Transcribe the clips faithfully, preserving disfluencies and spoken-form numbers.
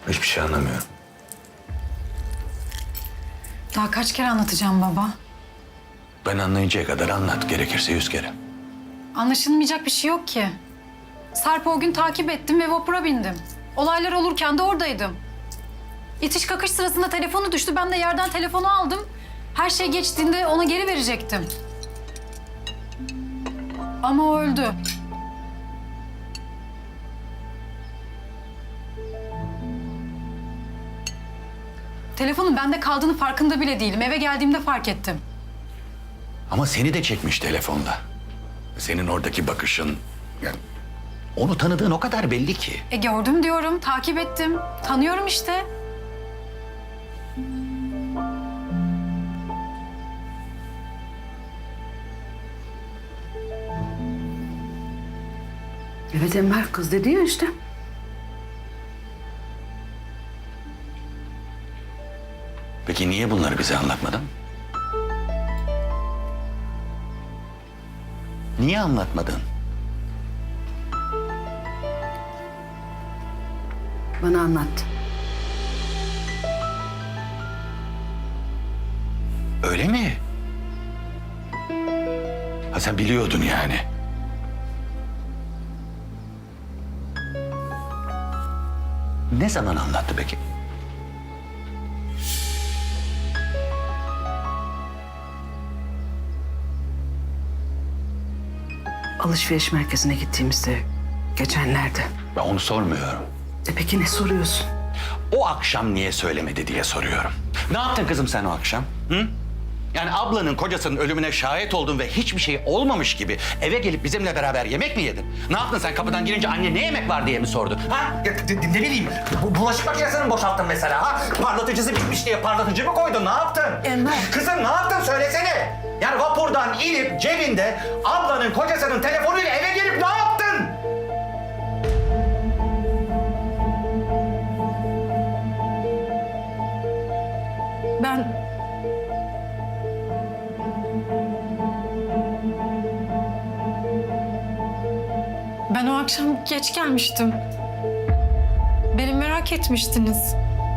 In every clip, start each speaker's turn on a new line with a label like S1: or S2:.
S1: Hiçbir şey anlamıyorum.
S2: Daha kaç kere anlatacağım baba?
S1: Ben anlayıncaya kadar anlat. Gerekirse yüz kere.
S2: Anlaşılmayacak bir şey yok ki. Sarp'ı o gün takip ettim ve vapura bindim. Olaylar olurken de oradaydım. İtiş kakış sırasında telefonu düştü. Ben de yerden telefonu aldım. Her şey geçtiğinde ona geri verecektim. Ama o öldü. Telefonun bende kaldığını farkında bile değilim. Eve geldiğimde fark ettim.
S1: Ama seni de çekmiş telefonda. Senin oradaki bakışın... Yani onu tanıdığın o kadar belli ki.
S2: E gördüm diyorum, takip ettim. Tanıyorum işte.
S3: Evet Enver, kız dedi ya işte.
S1: Peki niye bunları bize anlatmadın? Niye anlatmadın?
S3: Bana anlattı.
S1: Öyle mi? Ha sen biliyordun yani. Ne zaman anlattı peki?
S3: Alışveriş merkezine gittiğimizde geçenlerde.
S1: Ben onu sormuyorum.
S3: E peki ne soruyorsun?
S1: O akşam niye söylemedi diye soruyorum. Ne yaptın kızım sen o akşam? Hı? Yani ablanın kocasının ölümüne şahit oldun ve hiçbir şey olmamış gibi eve gelip bizimle beraber yemek mi yedin? Ne yaptın sen kapıdan girince anne ne yemek var diye mi sordu? Ha?
S4: Ya, de- de- ne bileyim, bu bulaşık makinesini mi boşalttın mesela ha? Parlatıcısı bitmiş diye parlatıcı mı koydun, ne yaptın?
S3: Enver.
S4: Kızım ne yaptın söylesene. Yani vapurdan inip cebinde ablanın kocasının telefonuyla eve gelip ne yaptın?
S2: Ben... Ben o akşam geç gelmiştim. Beni merak etmiştiniz.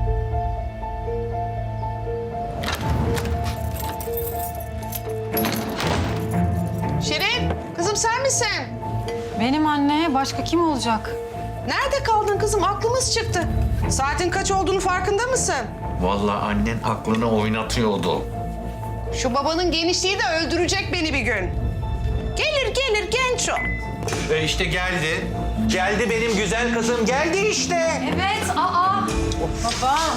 S5: Şirin, kızım sen misin?
S2: Benim anne, başka kim olacak?
S5: Nerede kaldın kızım? Aklımız çıktı. Saatin kaç olduğunu farkında mısın?
S6: Vallahi annen aklını oynatıyordu.
S5: Şu babanın genişliği de öldürecek beni bir gün. Gelir gelir genç o.
S4: E işte geldi. Geldi benim güzel kızım, geldi işte.
S2: Evet, aa! Babam.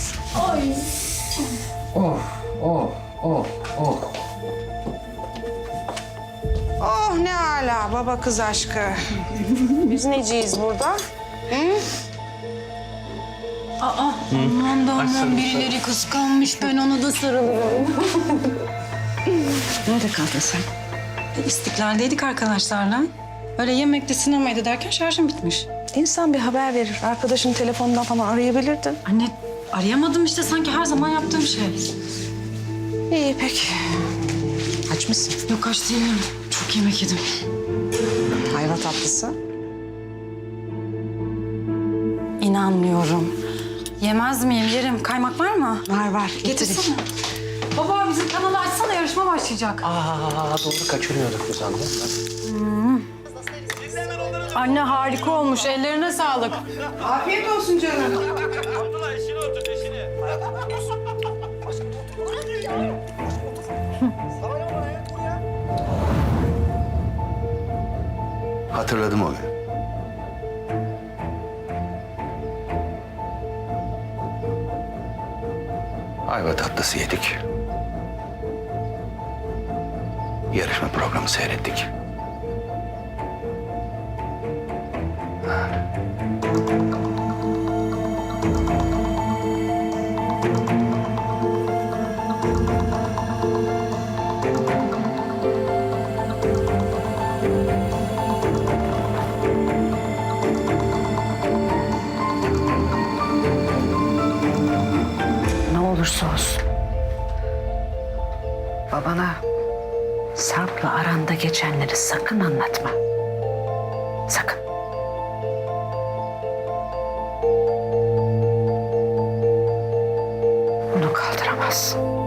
S5: Oh ne ala baba kız aşkı. Biz neciyiz burada?
S2: Aa, aman da aman birileri kıskanmış. Ben ona da sarılıyorum.
S3: Nerede kaldın sen?
S2: İstiklal'deydik arkadaşlarla. Öyle yemekte sinemaydı derken şarjım bitmiş.
S5: İnsan bir haber verir. Arkadaşın telefonundan falan arayabilirdin.
S2: Anne arayamadım işte sanki her zaman yaptığım şey.
S5: İyi peki. Aç mısın?
S2: Yok aç değilim. Çok yemek yedim.
S5: Ayva tatlısı.
S2: İnanmıyorum. Yemez miyim? Yerim. Kaymak var mı?
S5: Var var.
S2: Getirsene. Baba bizim kanalı açsana yarışma başlayacak.
S4: Aa doğru kaçırıyorduk biz anne.
S2: Anne harika olmuş. Ellerine sağlık.
S5: Afiyet olsun canım.
S1: Hatırladım o gün. Ayva tatlısı yedik. Yarışma programı seyrettik.
S3: Ne olursa olsun. Babana Sarp'la aranda geçenleri sakın anlatma. Sakın. olmaz.